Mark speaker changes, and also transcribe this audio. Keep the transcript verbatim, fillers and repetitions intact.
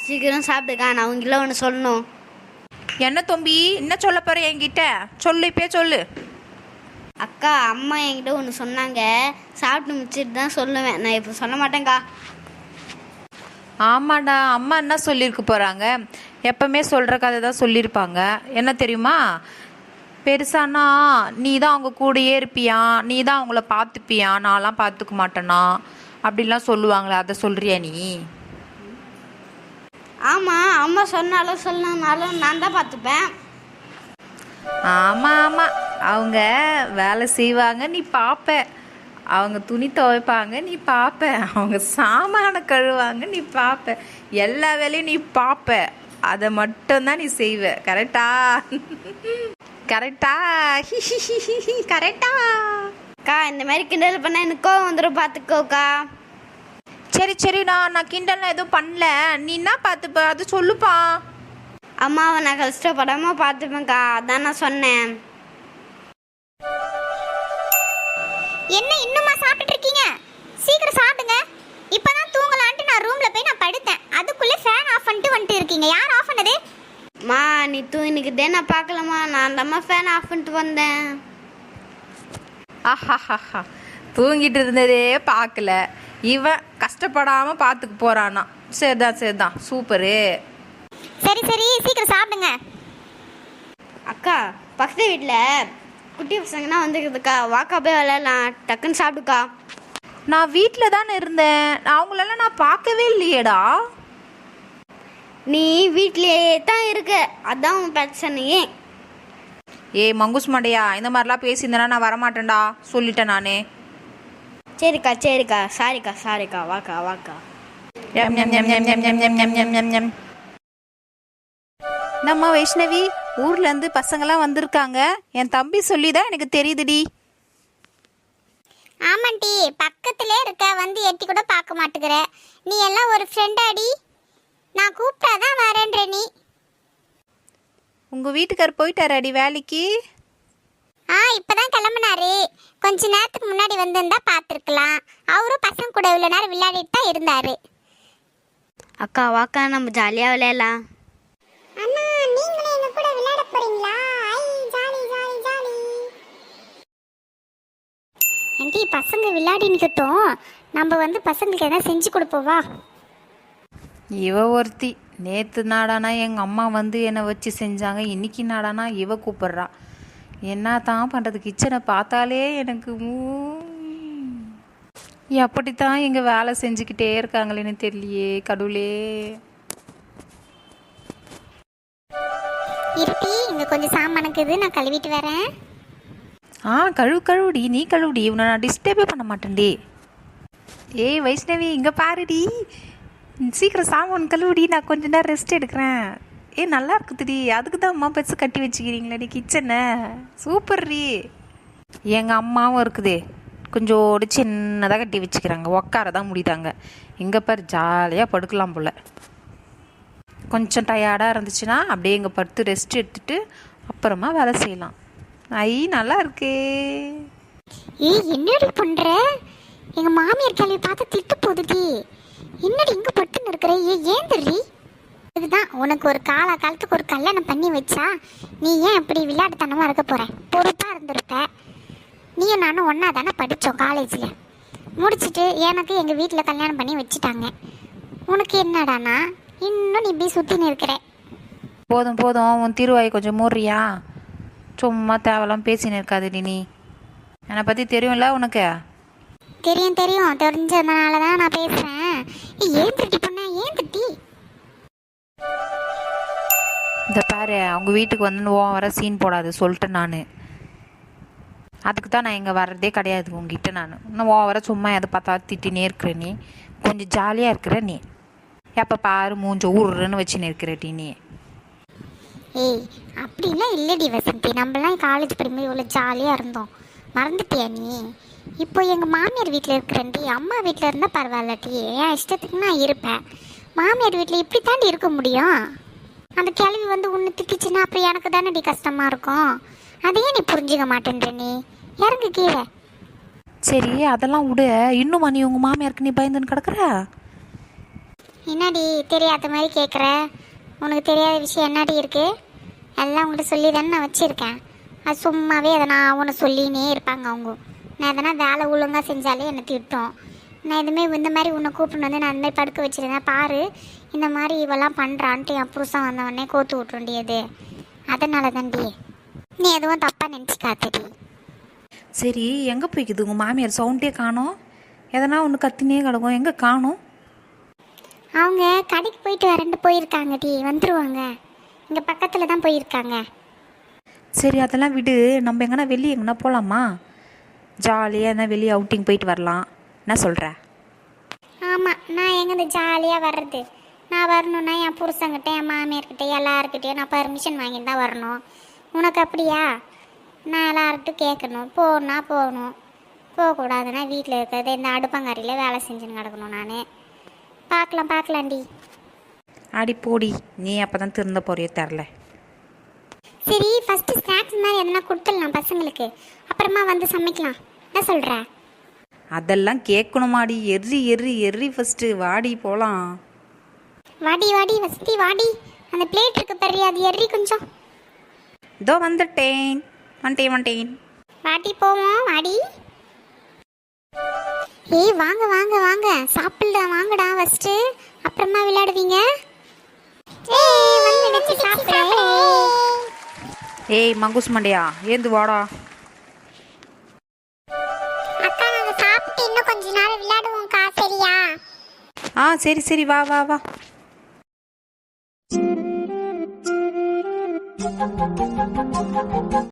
Speaker 1: சீக்கிரம் சாப்பிட்டுக்கா, நான் உங்ககிட்ட ஒன்று சொல்லணும்.
Speaker 2: என்ன தம்பி, என்ன சொல்ல போற என்கிட்ட? சொல்லு, இப்பே சொல்லு.
Speaker 1: அக்கா, அம்மா என்கிட்ட ஒன்று சொன்னாங்க, சாப்பிட்டு முடிச்சிட்டு தான் சொல்லுவேன், நான் இப்போ சொல்ல மாட்டேங்க்கா.
Speaker 2: ஆமாடா, அம்மா என்ன சொல்லியிருக்க போகிறாங்க? எப்பவுமே சொல்கிற கதை தான் சொல்லியிருப்பாங்க. என்ன தெரியுமா? பெருசானா நீ தான் அவங்க கூடயே இருப்பியா, நீ தான் அவங்கள பார்த்துப்பியா, நான்லாம் பார்த்துக்க மாட்டேனா அப்படிலாம் சொல்லுவாங்களே, அதை சொல்கிறியா நீ?
Speaker 1: ஆமாம், அம்மா சொன்னாலும் சொல்லனாலும் நான் தான் பார்த்துப்பேன்.
Speaker 2: ஆமாம் ஆமாம், அவங்க வேலை செய்வாங்க, நீ பார்ப்ப. அவங்க துணி துவைப்பாங்க, நீ பார்ப்ப. அவங்க சாமான கழுவாங்க, நீ பார்ப்ப. எல்லா வேலையும் நீ பார்ப்ப. அதை மட்டும்தான் நீ செய்வ. கரெக்டா? கரெக்டா? கரெக்டா?
Speaker 1: அக்கா, இந்த மாதிரி கிண்டல் பண்ணால் எனக்கு கோவம் வந்துடும், பார்த்துக்கோக்கா.
Speaker 2: சரி சரி, நான் நான் கிண்டல்லாம் எதுவும் பண்ணல. நீ என்ன பார்த்துப்ப அது சொல்லுப்பா.
Speaker 1: அம்மாவை நான் கஷ்டப்படாமல் பார்த்துப்பேன்க்கா, அதான் நான் சொன்னேன்.
Speaker 3: என்ன இன்னுமா சாப்பிட்டுட்டு இருக்கீங்க? சீக்கிரம் சாப்பிடுங்க. இப்பதான் தூங்கலான்ட்டு நான் ரூம்ல போய் நான் படுத்தேன், அதுக்குள்ளே ஃபேன் ஆஃப் பண்ணிட்டு வந்துட்டு இருக்கீங்க. யார் ஆஃப் பண்ணது?
Speaker 1: மா, நீ தூங்கிக்கிட்டே நான் பார்க்கலம்மா, நான் தாம்மா ஃபேன் ஆஃப் பண்ணிட்டு வந்தேன்.
Speaker 2: ஆஹாஹா, தூங்கிட்டு இருந்ததே பார்க்கல, இவன் கஷ்டப்படாமல் பார்த்துக்கு போகிறானா. சரிதான் சரிதான், சூப்பரு.
Speaker 3: சரி சரி, சீக்கிரம் சாப்பிடுங்க.
Speaker 1: அக்கா, பக்கத்து வீட்டில் குட்டி பசங்கன்னா வந்துருக்குதுக்கா, வாக்கா போய் விளையாடலாம், டக்குன்னு சாப்பிடுக்கா.
Speaker 2: நான் வீட்டில் தானே இருந்தேன், அவங்களெல்லாம் நான் பார்க்கவே இல்லையேடா.
Speaker 1: நீ வீட்லேயே தான் இருக்க, அதான் உன் பிரச்சனையே.
Speaker 2: ஏ மங்குஸ் மண்டையா, இந்த மாதிரிலாம் பேசியிருந்தேன்னா நான் வரமாட்டேன்டா, சொல்லிட்டேன் நானே.
Speaker 1: சரிக்கா சரிக்கா, சாரிக்கா சாரிக்கா, வாக்கா வாக்கா.
Speaker 2: எம் எம் எம் எம் எம் எம் எம் எம் எம் எம் எம். நம்ம வைஷ்ணவி, ஊர்லேருந்து பசங்களாம் வந்திருக்காங்க. என் தம்பி சொல்லி தான் எனக்கு தெரியுதுடி.
Speaker 3: ஆமாண்டி, பக்கத்திலே இருக்க, வந்து எட்டி கூட பார்க்க மாட்டேங்கிற. நீ எல்லாம் ஒரு ஃப்ரெண்டாடி, நான் கூப்பிட்டாதான் வரேன்ற நீ.
Speaker 2: உங்கள் வீட்டுக்கார் போயிட்டாராடி வேலைக்கு?
Speaker 3: ஆ, இப்பதான் கிளம்புனாரு. கொஞ்ச நேரத்துக்கு முன்னாடி வந்திருந்தா பார்த்துருக்கலாம். அவரும் பசங்க கூட இவ்வளோ நேரம் விளையாடிட்டு தான் இருந்தாரு.
Speaker 1: அக்கா வாக்கா, நம்ம ஜாலியாக விளையாடலாம்.
Speaker 3: அண்ணா, நீங்களும் எங்க கூட விளையாட போறீங்களா? ஐ, ஜாலி ஜாலி ஜாலி. ஆண்டி, பசங்க விளையாடி நிக்கட்டும், நம்ம வந்து பசங்களுக்கு எதாவது செஞ்சு கொடுப்போவா?
Speaker 2: இவ ஒருத்தி, நேற்று நாடானா எங்கள் அம்மா வந்து என்னை வச்சு செஞ்சாங்க, இன்னைக்கு நாடானா இவ கூப்பிட்றா. என்ன தான் பண்ணுறது? கிச்சனை பார்த்தாலே எனக்கு எப்படித்தான் எங்கள் வேலை செஞ்சுக்கிட்டே இருக்காங்களேன்னு தெரியலையே கடவுளே.
Speaker 3: இருட்டி, இங்க கொஞ்சம் சாமானுக்குது, நான் கழுவிட்டு வரேன்.
Speaker 2: ஆ, கழுவு கழுவுடி, நீ கழுவுடி, இவனை நான் டிஸ்டர்பே பண்ண மாட்டேன்டி. ஏய் வைஷ்ணவி, இங்கே பாருடி, சீக்கிரம் சாமான் கழுவுடி, நான் கொஞ்ச நேரம் ரெஸ்ட் எடுக்கிறேன். ஏ நல்லா இருக்குதுடி, அதுக்கு தான் அம்மா பெருசு கட்டி வச்சுக்கிறீங்களேடி கிச்சனை. சூப்பர் ரீ. எங்கள் அம்மாவும் இருக்குதே, கொஞ்சோடு சின்னதாக கட்டி வச்சுக்கிறாங்க, உக்கார தான் முடியுதாங்க. இங்கே பாரு, ஜாலியாக படுக்கலாம் போல். கொஞ்சம் டயர்டாக இருந்துச்சுன்னா அப்படியே இங்கே படுத்து ரெஸ்ட் எடுத்துட்டு அப்புறமா வேலை செய்யலாம். ஐ, நல்லா இருக்கே.
Speaker 3: ஏய், என்னடி பண்ற? எங்க மாமியார் கேள்வி பார்த்து திட்டு போகுதுடி. என்னடி இங்க பட்டுன்னு இருக்கிற? ஏ, ஏன் தெரி? இதுதான் உனக்கு ஒரு கால காலத்துக்கு ஒரு கல்யாணம் பண்ணி வச்சா நீ ஏன் அப்படி விளையாட்டுத்தனமா இருக்க போற? பொறுப்பா இருந்திருப்ப. நீயும் நானும் ஒன்னா தானே படித்தோம் காலேஜில். முடிச்சுட்டு எனக்கு எங்கள் வீட்டில் கல்யாணம் பண்ணி வச்சுட்டாங்க. உனக்கு என்னடானா இன்னும் நீ இப்படி சுற்றின்னு இருக்கிற.
Speaker 2: போதும் போதும், உன் திருவாய் கொஞ்சம் மூடுறியா? சும்மா தேவலாம் பேசின்னு இருக்காதுடி. நீ என்னை பற்றி தெரியும்ல உனக்கு?
Speaker 3: தெரியும் தெரியும், தெரிஞ்சதுனால தான் நான் பேசுகிறேன். ஏன் திட்டி பண்ண? ஏன் திட்டி?
Speaker 2: இந்த பாரு, அவங்க வீட்டுக்கு வந்து ஓ வர சீன் போடாது சொல்லிட்டேன் நான். அதுக்கு தான் நான் இங்கே வர்றதே கிடையாது உங்ககிட்ட. நான் இன்னும் ஓ வர சும்மா எதை பார்த்தா திட்டினே இருக்கிற நீ. கொஞ்சம் ஜாலியாக இருக்கிற நீ. எப்போ பாரு மூஞ்ச ஊருன்னு வச்சுன்னு இருக்கிற டி நீ.
Speaker 3: ஏய், அப்படிலாம் இல்லடி வசந்தி, நம்மளாம் காலேஜ் படிக்கும்போது இவ்வளோ ஜாலியாக இருந்தோம், மறந்துட்டியா நீ? இப்போ எங்கள் மாமியார் வீட்டில் இருக்கிறேன்டி. அம்மா வீட்டில் இருந்தால் பரவாயில்லட்டி, என் இஷ்டத்துக்கு நான் இருப்பேன். மாமியார் வீட்டில் இப்படி தாண்டி இருக்க முடியும்? அந்த கேள்வி வந்து உன்னை திட்டுச்சுன்னா அப்புறம் எனக்கு தானே கஷ்டமாக இருக்கும். அதையே நீ புரிஞ்சுக்க மாட்டேன்ற. நீ இறங்கு கீழே.
Speaker 2: சரி, அதெல்லாம் விடு. இன்னுமா நீ உங்கள் மாமியாருக்கு நீ பயந்துன்னு கிடக்குற?
Speaker 3: என்னடி தெரியாத மாதிரி கேட்குற? உனக்கு தெரியாத விஷயம் என்னடி இருக்கு? எல்லாம் உங்கள்கிட்ட சொல்லி தானே நான் வச்சுருக்கேன். அது சும்மாவே அதை நான் உன்னை சொல்லினே இருப்பாங்க அவங்க. நான் எதனா வேலை ஒழுங்காக செஞ்சாலே என்னை திட்டும். நான் எதுவுமே இந்த மாதிரி உன்னை கூப்பிட்டு வந்து நான் அந்த மாதிரி படுக்க வச்சுருந்தேன் பாரு, இந்த மாதிரி இவெல்லாம் பண்ணுறான்ட்டு என் புருஷன் வந்தவொடனே கோத்து விட்டு வேண்டியது. அதனால தான்டி, நீ எதுவும் தப்பாக நினச்சிக்காதடி.
Speaker 2: சரி, எங்கே போய்க்குது உங்கள் மாமியார்? சவுண்டே காணோம். எதனா ஒன்று கத்தினே கிடக்கும், எங்கே காணோம்?
Speaker 3: அவங்க கடைக்கு போயிட்டு வரண்டு போயிருக்காங்கடி, வந்துடுவாங்க. இங்கே பக்கத்தில் தான் போயிருக்காங்க.
Speaker 2: சரி, அதெல்லாம் விடு. நம்ம எங்கன்னா வெளியே எங்கன்னா போகலாமா? ஜாலியாக எதனா வெளியே அவுட்டிங் போயிட்டு வரலாம். என்ன சொல்கிற?
Speaker 3: ஆமாம், நான் எங்கேருந்து ஜாலியாக வர்றது? நான் வரணுன்னா என் புருஷங்கிட்ட என் மாமியார்கிட்ட எல்லாருக்கிட்டையும் நான் பர்மிஷன் வாங்கிட்டு தான் வரணும். உனக்கு அப்படியா? நான் எல்லார்கிட்டும் கேட்கணும், போகணுன்னா போகணும், போகக்கூடாதுன்னா வீட்டில் இருக்கிறது இந்த அடுப்பங்கரையில் வேலை செஞ்சுன்னு கிடக்கணும். நான் பார்க்கலாம் பார்க்கலாண்டி.
Speaker 2: ஆடி போடி, நீ அப்போ தான் திருந்த போறியோ தெரில.
Speaker 3: சரி, ஃபஸ்ட்டு ஸ்நாக்ஸ் மாதிரி எதனா கொடுத்துடலாம் பசங்களுக்கு, அப்புறமா வந்து சமைக்கலாம். என்ன சொல்கிற?
Speaker 2: அதெல்லாம் கேட்கணுமாடி? எர்ரி எர்ரி எர்ரி ஃபஸ்ட்டு வாடி போகலாம்.
Speaker 3: வாடி வாடி வசதி வாடி. அந்த பிளேட் இருக்கு பெரிய, அது எறி கொஞ்சம்.
Speaker 2: இதோ வந்துட்டேன், வந்துட்டேன் வந்துட்டேன்.
Speaker 3: வாடி போவோம், வாடி. ஏய் வாங்க வாங்க வாங்க, சாப்பிடா வாங்கடா ஃபஸ்ட்டு, அப்புறமா விளையாடுவீங்க. ஏய் வந்து சாப்பிடு.
Speaker 2: ஏய் மங்குஸ் மண்டையா, ஏந்து வாடா.
Speaker 3: அக்கா நாங்க சாப்பிட்டு இன்னும் கொஞ்ச நேரம் விளையாடுவோம்க்கா, சரியா?
Speaker 2: ஆ சரி சரி, வா வா வா.